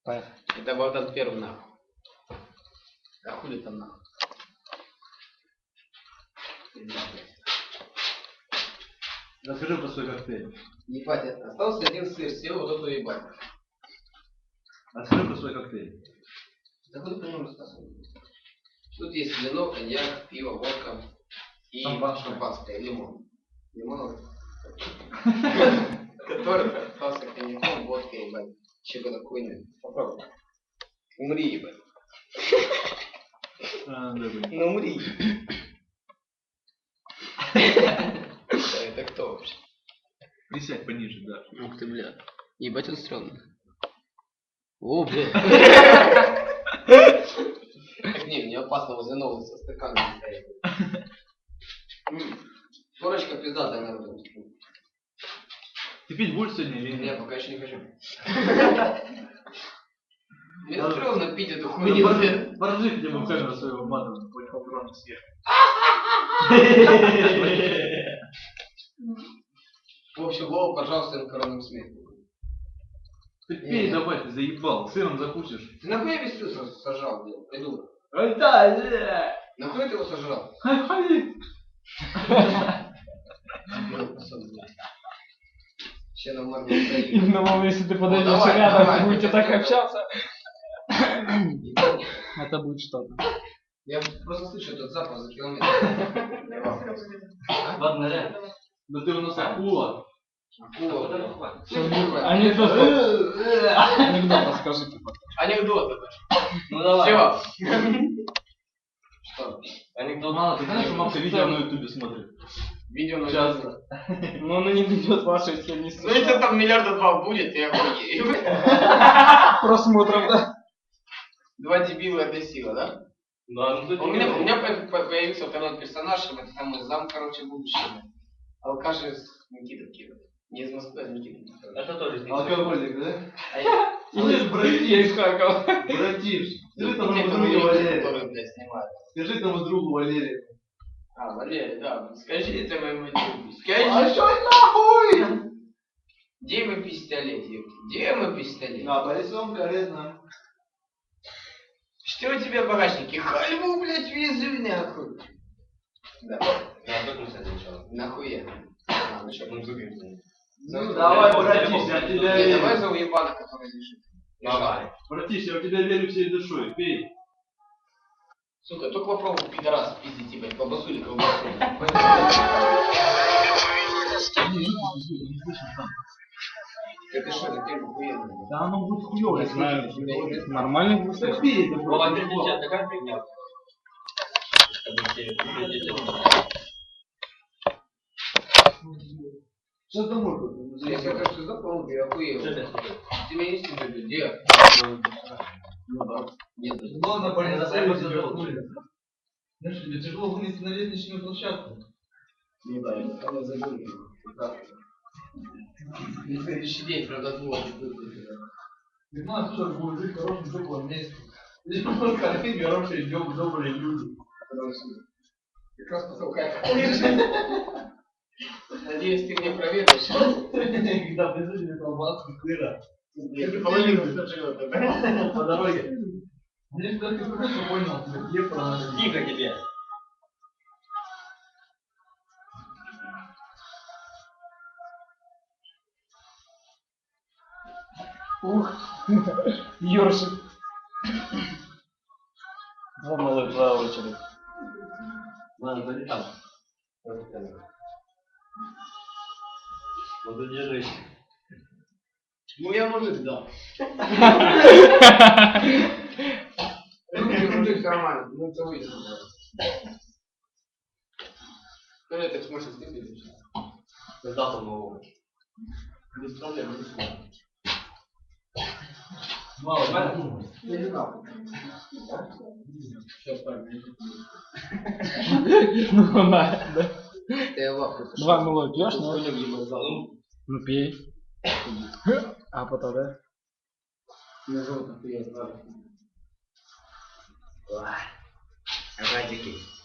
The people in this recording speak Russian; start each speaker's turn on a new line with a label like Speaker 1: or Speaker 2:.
Speaker 1: Поехали.
Speaker 2: Это Богдан Первый нахуй. А хули там нахуй?
Speaker 3: Расскажи про свой коктейль.
Speaker 2: Ебать, остался один сыр, съел вот эту ебать.
Speaker 3: Расскажи про свой коктейль.
Speaker 2: Да хуй по нему рассказывай. Тут есть вино, коньяк, пиво, водка и шампанское, лимон. Лимон, который остался коньяком, водкой, ебать. Чего такое? Попробуй. Умри, ебать. Ну умри. Это кто вообще?
Speaker 3: Присядь пониже, да.
Speaker 2: Ух ты, бля. Ебать он стрёмный. О, бля. Так не, мне опасно возле нового со стаканом стоять. Корочка пиздатая, наверное.
Speaker 3: Ты пить будешь сегодня или
Speaker 2: Не,
Speaker 3: нет?
Speaker 2: пока еще не хочу. Мне стрёмно пить эту хуйню.
Speaker 3: Поражи хотя бы в камеру своего матом, понял, огромный съешь.
Speaker 2: В общем, Вова, пожалуйста, на коронном смехе.
Speaker 3: Ты пей давай, ты заебал, сыром закусишь.
Speaker 2: Ты нахуй я весь сыр сожрал, блин, придурок?
Speaker 3: Да.
Speaker 2: Нахуй ты его сожрал? Сейчас на морду стоит.
Speaker 1: Именно, Вова, если ты подойдешь
Speaker 2: давай,
Speaker 1: рядом,
Speaker 2: давай,
Speaker 1: будете
Speaker 2: я
Speaker 1: так
Speaker 2: тебя
Speaker 1: общаться, это будет что-то.
Speaker 2: Я просто слышу этот запах за километр.
Speaker 3: Ладно, реально. Да ты у нас акула.
Speaker 2: Акула.
Speaker 1: Анекдот расскажи, типа.
Speaker 2: Анекдоты.
Speaker 3: Ну давай.
Speaker 2: Все. Что?
Speaker 3: Анекдот. Мало, ты знаешь, что мамка видео на ютубе смотрит?
Speaker 2: Видео на
Speaker 3: Сейчас.
Speaker 1: Но оно не дойдет вашей, если не
Speaker 2: Ну если там миллиарда два будет, я охуею.
Speaker 1: просмотров, да?
Speaker 2: Два дебила это сила, да?
Speaker 3: Да, ну
Speaker 2: У меня появился второй персонаж, это самый зам, короче, будущего. Алкаш из Никиты Киров. Не из Москвы, а из Никиты Киров.
Speaker 3: Это тоже алкоголик, да?
Speaker 1: Или братья из Харькова.
Speaker 3: Братиш, скажи тому
Speaker 2: Те,
Speaker 3: другу Валерию.
Speaker 2: которые, блядь, снимают.
Speaker 3: Скажи тому другу Валерию.
Speaker 2: А, Валерий, да. Скажи это моему другу. Скажи.
Speaker 3: А что нахуй?
Speaker 2: Где мой пистолет, ёпта? Где мой пистолет?
Speaker 3: На Борисовом корректно.
Speaker 2: Что у тебя в багажнике? Хальву, блядь, везу нахуй. Да.
Speaker 3: Да, как мы с этим начали?
Speaker 2: Нахуя? А, ну что?
Speaker 3: Ну, зубим.
Speaker 2: Ну,
Speaker 3: Давай, братиш, я в тебя
Speaker 2: Не,
Speaker 3: верю.
Speaker 2: давай за уебана, который лежит.
Speaker 3: Давай. Братиш, я в тебя верю всей душой. Пей.
Speaker 2: Сука, только попробуй, пидорас, пиздить, ебать, колбасу или колбасу. Это что, это тема хуйня?
Speaker 3: Да оно будет хуёво.
Speaker 1: Не знаю, нормально будет.
Speaker 3: Пей, это
Speaker 4: Вова, ты нельзя, такая фигня.
Speaker 3: Сейчас домой.
Speaker 2: Если это все запомнил, я охуел. Ты меня не стыдно, где? Ну да. Нет.
Speaker 3: Ладно, понятно, я тебя хули. Знаешь, тебе тяжело вынести на лестничную площадку.
Speaker 2: Ну да, это самое забыльное. Да. На следующий день продадут.
Speaker 3: Не знаю, что будет жить в хорошем теплом месте. Здесь просто картинки, хорошие, добрые люди.
Speaker 2: Как раз потолкать. Надеюсь, ты меня проверишь.
Speaker 3: Когда присутствует колбаску, сыра.
Speaker 2: Половину сожрет, да?
Speaker 3: По дороге. Здесь только хорошо понял, где правильно.
Speaker 4: Тихо тебе.
Speaker 1: Ух, ёршик. Два малых, два очередь.
Speaker 4: Ладно, залетал. Вот держись.
Speaker 2: Ну я мужик, да. Мужик нормально, ну это выйдет. Ну это в смысле ты видишь?
Speaker 4: Когда там нового?
Speaker 2: Без проблем, без проблем.
Speaker 3: Мало, да?
Speaker 2: Я не знал. Сейчас правильно.
Speaker 1: Ну, на, да.
Speaker 2: Я ваху.
Speaker 1: Два малой пьешь, но...
Speaker 2: Ну,
Speaker 1: Ну, пей. А потом, да?
Speaker 2: меня зовут Ахуя.
Speaker 4: Радики.